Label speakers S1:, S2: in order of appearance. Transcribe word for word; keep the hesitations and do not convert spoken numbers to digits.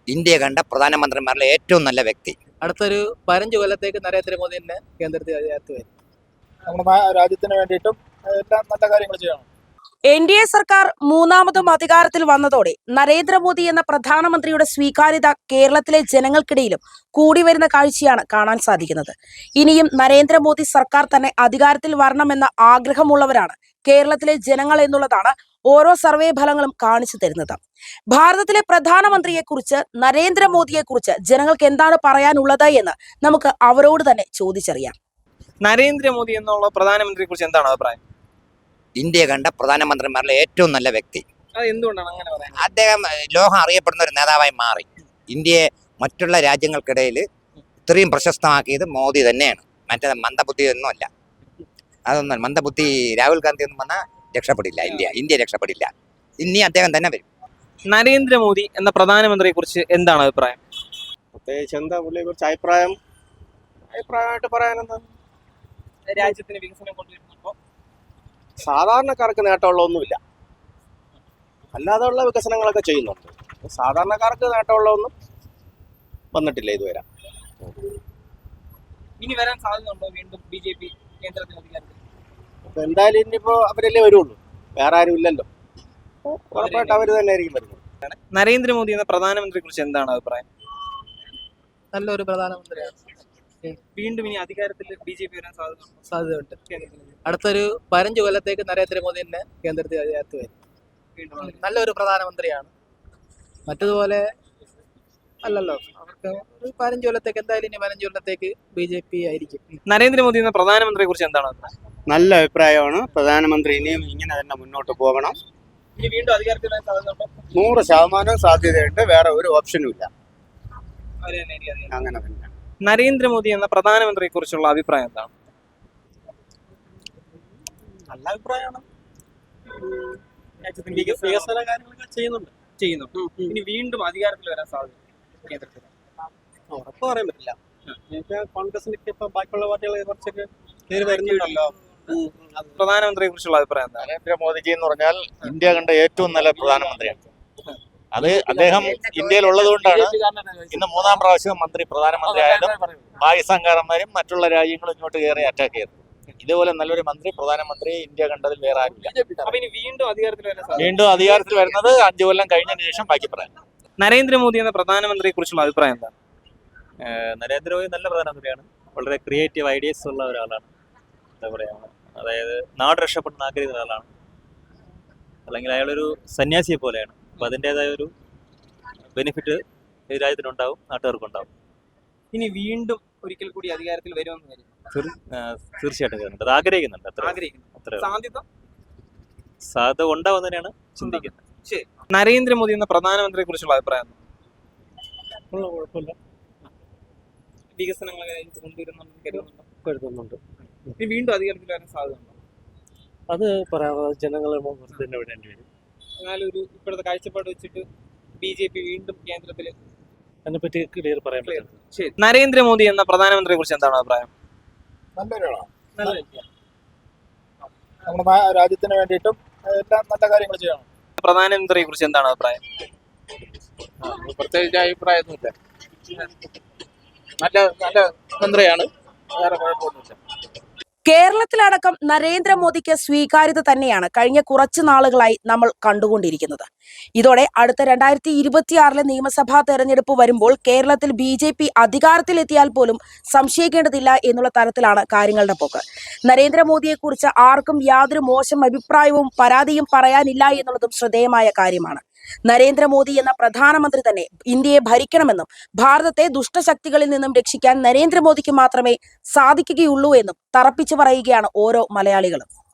S1: India കണ്ട പ്രധാനമന്ത്രിമാരിലെ ഏറ്റവും നല്ല വ്യക്തി.
S2: അടുത്തൊരു പതിനഞ്ച് കൊല്ലത്തേക്ക് നരേന്ദ്രമോദി തന്നെ കേന്ദ്രത്തിൽ അധികാരത്തിൽ വരും.
S3: നമ്മുടെ രാജ്യത്തിന് വേണ്ടിയിട്ടും എല്ലാം നല്ല കാര്യങ്ങൾ ചെയ്യണം.
S4: എൻ ഡി എ സർക്കാർ മൂന്നാമതും അധികാരത്തിൽ വന്നതോടെ നരേന്ദ്രമോദി എന്ന പ്രധാനമന്ത്രിയുടെ സ്വീകാര്യത കേരളത്തിലെ ജനങ്ങൾക്കിടയിലും കൂടി വരുന്ന കാഴ്ചയാണ് കാണാൻ സാധിക്കുന്നത്. ഇനിയും നരേന്ദ്രമോദി സർക്കാർ തന്നെ അധികാരത്തിൽ വരണമെന്ന ആഗ്രഹമുള്ളവരാണ് കേരളത്തിലെ ജനങ്ങൾ എന്നുള്ളതാണ് ഓരോ സർവേ ഫലങ്ങളും കാണിച്ചു തരുന്നത്. ഭാരതത്തിലെ പ്രധാനമന്ത്രിയെക്കുറിച്ച്, നരേന്ദ്രമോദിയെക്കുറിച്ച് ജനങ്ങൾക്ക് എന്താണ് പറയാനുള്ളത് എന്ന് നമുക്ക് അവരോട് തന്നെ ചോദിച്ചറിയാം.
S2: നരേന്ദ്രമോദി എന്നുള്ള പ്രധാനമന്ത്രിയെ കുറിച്ച് എന്താണ് അഭിപ്രായം?
S1: ഇന്ത്യ കണ്ട പ്രധാനമന്ത്രിമാരിലെ ഏറ്റവും നല്ല വ്യക്തി.
S2: അത് എന്തുകൊണ്ടാണ് അങ്ങനെ പറയുന്നത്?
S1: അദ്ദേഹം ലോകം അറിയപ്പെടുന്ന ഒരു നേതാവായി മാറി. ഇന്ത്യയെ മറ്റുള്ള രാജ്യങ്ങൾക്കിടയിൽ ഇത്രയും പ്രശസ്തമാക്കിയത് മോദി തന്നെയാണ്. മറ്റേ മന്ദബുദ്ധി ഒന്നുമല്ല. അതൊന്നും മന്ദബുദ്ധി രാഹുൽ ഗാന്ധി ഒന്നും വന്നാൽ രക്ഷപ്പെടില്ല. India India രക്ഷപ്പെടില്ല. ഇനി അദ്ദേഹം തന്നെ വരും.
S2: നരേന്ദ്രമോദി എന്ന പ്രധാനമന്ത്രിയെ കുറിച്ച് എന്താണ് അഭിപ്രായം?
S3: പ്രത്യേകിച്ച് എന്താ പുള്ളിയെ കുറിച്ച് അഭിപ്രായം അഭിപ്രായമായിട്ട് പറയാനെന്താ,
S2: രാജ്യത്തിന് വികസനം കൊണ്ടുവരുന്നുണ്ടോ?
S3: സാധാരണക്കാർക്ക് നേട്ടമുള്ളതൊന്നുമില്ല. അല്ലാതെയുള്ള വികസനങ്ങളൊക്കെ ചെയ്യുന്നുണ്ട്. സാധാരണക്കാർക്ക് നേട്ടമുള്ളതൊന്നും വന്നിട്ടില്ല ഇതുവരെ.
S2: ഇനി വരാൻ സാധ്യതയുണ്ടോ വീണ്ടും ബി ജെ പി കേന്ദ്രത്തിൽ അധികാരത്തിൽ?
S3: അപ്പൊ എന്തായാലും ഇനിയിപ്പോ അവരല്ലേ വരുള്ളൂ, വേറെ ആരും ഇല്ലല്ലോ. ഉറപ്പായിട്ട് അവര് തന്നെ ആയിരിക്കും വരുന്നത്.
S2: നരേന്ദ്രമോദി എന്ന പ്രധാനമന്ത്രിയെ കുറിച്ച് എന്താണ് അഭിപ്രായം?
S5: നല്ലൊരു പ്രധാനമന്ത്രിയാണ്.
S2: വീണ്ടും ഇനി അധികാരത്തിൽ ബി ജെ പി വരാൻ സാധ്യതയുണ്ടോ?
S5: സാധ്യതയുണ്ട്.
S2: കേന്ദ്രത്തിൽ
S5: അടുത്തൊരു പതിനഞ്ച് കൊല്ലത്തേക്ക് നരേന്ദ്രമോദി തന്നെ കേന്ദ്രത്തിൽ അധികാരത്തിൽ വരും.
S2: വീണ്ടും
S5: നല്ലൊരു പ്രധാനമന്ത്രിയാണ്. മറ്റതുപോലെ അല്ലല്ലോ, അവർക്ക് ഒരു പതിനഞ്ച് കൊല്ലത്തേക്ക് എന്തായാലും ഇനി പതിനഞ്ച് കൊല്ലത്തേക്ക് ബി ജെ പി ആയിരിക്കും.
S2: നരേന്ദ്രമോദി എന്ന പ്രധാനമന്ത്രിയെ കുറിച്ച് എന്താണ് അഭിപ്രായം?
S3: നല്ല അഭിപ്രായമാണ്. പ്രധാനമന്ത്രി ഇനിയും ഇങ്ങനെ തന്നെ മുന്നോട്ട് പോകണം.
S2: ഇനി വീണ്ടും അധികാരത്തിൽ വരാൻ സാധ്യതയുണ്ടോ?
S3: നൂറ് ശതമാനം സാധ്യതയുണ്ട്. വേറെ ഒരു ഓപ്ഷനും ഇല്ല.
S2: അവര് തന്നെ ആയിരിക്കും അധികാരം.
S3: അങ്ങനെ തന്നെ.
S2: നരേന്ദ്രമോദി എന്ന പ്രധാനമന്ത്രിയെ കുറിച്ചുള്ള അഭിപ്രായം എന്താണ്?
S3: നല്ല അഭിപ്രായമാണ്.
S2: രാജ്യത്തിന്
S3: വികസന കാര്യങ്ങളൊക്കെ ചെയ്യുന്നുണ്ട്.
S2: ചെയ്യുന്നുണ്ട്. ഇനി വീണ്ടും അധികാരത്തിൽ വരാൻ സാധ്യത കേന്ദ്രത്തിൽ?
S3: ഉറപ്പ് പറയാൻ പറ്റില്ല. കോൺഗ്രസിനൊക്കെ ഇപ്പൊ ബാക്കിയുള്ള പാർട്ടികൾ കുറച്ചൊക്കെ കയറി വരുന്നുണ്ടല്ലോ.
S2: പ്രധാനമന്ത്രിയെ കുറിച്ചുള്ള അഭിപ്രായം എന്താണ്?
S6: നരേന്ദ്രമോദിജി എന്ന് പറഞ്ഞാൽ ഇന്ത്യ കണ്ട ഏറ്റവും നല്ല പ്രധാനമന്ത്രിയാണ്. അത് അദ്ദേഹം ഇന്ത്യയിൽ ഉള്ളത് കൊണ്ടാണ് ഇന്ന് മൂന്നാം പ്രാവശ്യം മന്ത്രി പ്രധാനമന്ത്രി ആയാലും പാകിസ്ഥാൻകാരന്മാരും മറ്റുള്ള രാജ്യങ്ങളും ഇങ്ങോട്ട് കയറി അറ്റാക്ക് ചെയ്തത്. ഇതുപോലെ നല്ലൊരു മന്ത്രി പ്രധാനമന്ത്രി ഇന്ത്യ കണ്ടതിൽ വേറെ ആരില്ല.
S2: അപ്പൊ ഇനി വീണ്ടും അധികാരത്തിൽ വരാൻ സാധ്യത?
S6: വീണ്ടും അധികാരത്തിൽ വരുന്നത് അഞ്ചു കൊല്ലം കഴിഞ്ഞതിന് ശേഷം ബാക്കി പറയാം.
S2: നരേന്ദ്രമോദി എന്ന പ്രധാനമന്ത്രിയെ കുറിച്ചുള്ള അഭിപ്രായം എന്താണ്?
S7: നരേന്ദ്രമോദി നല്ല പ്രധാനമന്ത്രിയാണ്. വളരെ ക്രിയേറ്റീവ് ഐഡിയസ് ഉള്ള ഒരാളാണ്. എന്താ പറയുക, അതായത് നാട് രക്ഷപ്പെടുന്ന ആഗ്രഹിക്കുന്ന ഒരാളാണ്. അല്ലെങ്കിൽ അയാളൊരു സന്യാസിയെ പോലെയാണ്. അപ്പോൾ അതിൻ്റെതായ ഒരു ബെനിഫിറ്റ് ഈ രാജ്യത്തിനുണ്ടാവും, നാട്ടുകാർക്കുണ്ടാവും.
S2: ഇനി വീണ്ടും ഒരിക്കൽ കൂടി അധികാരത്തിൽ വരുമെന്ന് വരും
S7: തീർച്ചയായിട്ടും വരുന്നുണ്ട്. അത് ആഗ്രഹിക്കുന്നുണ്ട്. അത്ര
S2: ആഗ്രഹിക്കുന്നു.
S7: അത്ര
S2: സാധ്യത
S7: സാധ്യത ഉണ്ടാവും തന്നെയാണ് ചിന്തിക്കുന്നത്.
S2: ശരി. നരേന്ദ്രമോദി എന്ന പ്രധാനമന്ത്രിയെ കുറിച്ചുള്ള അഭിപ്രായം എന്താണ്?
S3: കുഴപ്പമില്ല.
S2: വികസനങ്ങൾ കൊണ്ടുവരുന്നുണ്ടെന്ന് കരുതുന്നുണ്ടോ?
S3: കരുതുന്നുണ്ട്.
S2: ഇനി വീണ്ടും അധികാരത്തിൽ വരാൻ സാധ്യതയുണ്ടോ?
S3: അത് പറയാതെ ജനങ്ങളെ തന്നെ വിടേണ്ടി വരും.
S2: എന്നാലും ഒരു ഇപ്പോഴത്തെ കാഴ്ചപ്പാട് വെച്ചിട്ട് ബി ജെ പി വീണ്ടും കേന്ദ്രത്തിൽ
S3: അതിനെപ്പറ്റി ക്ലിയർ പറയാൻ പറ്റില്ല.
S2: ശരി. നരേന്ദ്രമോദി എന്ന പ്രധാനമന്ത്രിയെ കുറിച്ച് എന്താണ് അഭിപ്രായം?
S3: നല്ലൊരാളാണ്.
S2: നല്ല
S3: നമ്മുടെ രാജ്യത്തിന് വേണ്ടിയിട്ടും എല്ലാം നല്ല കാര്യങ്ങൾ ചെയ്യണം.
S2: പ്രധാനമന്ത്രിയെ കുറിച്ച് എന്താണ് അഭിപ്രായം?
S6: പ്രത്യേകിച്ച് അഭിപ്രായമൊന്നുമില്ല. നല്ല നല്ല മന്ത്രിയാണ്. വേറെ കുഴപ്പമൊന്നുമില്ല.
S4: കേരളത്തിലടക്കം നരേന്ദ്രമോദിക്ക് സ്വീകാര്യത തന്നെയാണ് കഴിഞ്ഞ കുറച്ചു നാളുകളായി നമ്മൾ കണ്ടുകൊണ്ടിരിക്കുന്നത്. ഇതോടെ അടുത്ത രണ്ടായിരത്തി ഇരുപത്തിയാറിലെ നിയമസഭാ തെരഞ്ഞെടുപ്പ് വരുമ്പോൾ കേരളത്തിൽ ബി ജെ പി അധികാരത്തിലെത്തിയാൽ പോലും സംശയിക്കേണ്ടതില്ല എന്നുള്ള തരത്തിലാണ് കാര്യങ്ങളുടെ പോക്ക്. നരേന്ദ്രമോദിയെക്കുറിച്ച് ആർക്കും യാതൊരു മോശം അഭിപ്രായവും പരാതിയും പറയാനില്ല എന്നുള്ളതും ശ്രദ്ധേയമായ കാര്യമാണ്. നരേന്ദ്രമോദി എന്ന പ്രധാനമന്ത്രി തന്നെ ഇന്ത്യയെ ഭരിക്കണമെന്നും ഭാരതത്തെ ദുഷ്ടശക്തികളിൽ നിന്നും രക്ഷിക്കാൻ നരേന്ദ്രമോദിക്ക് മാത്രമേ സാധിക്കുകയുള്ളൂ എന്നും തറപ്പിച്ചു പറയുകയാണ് ഓരോ മലയാളികളും.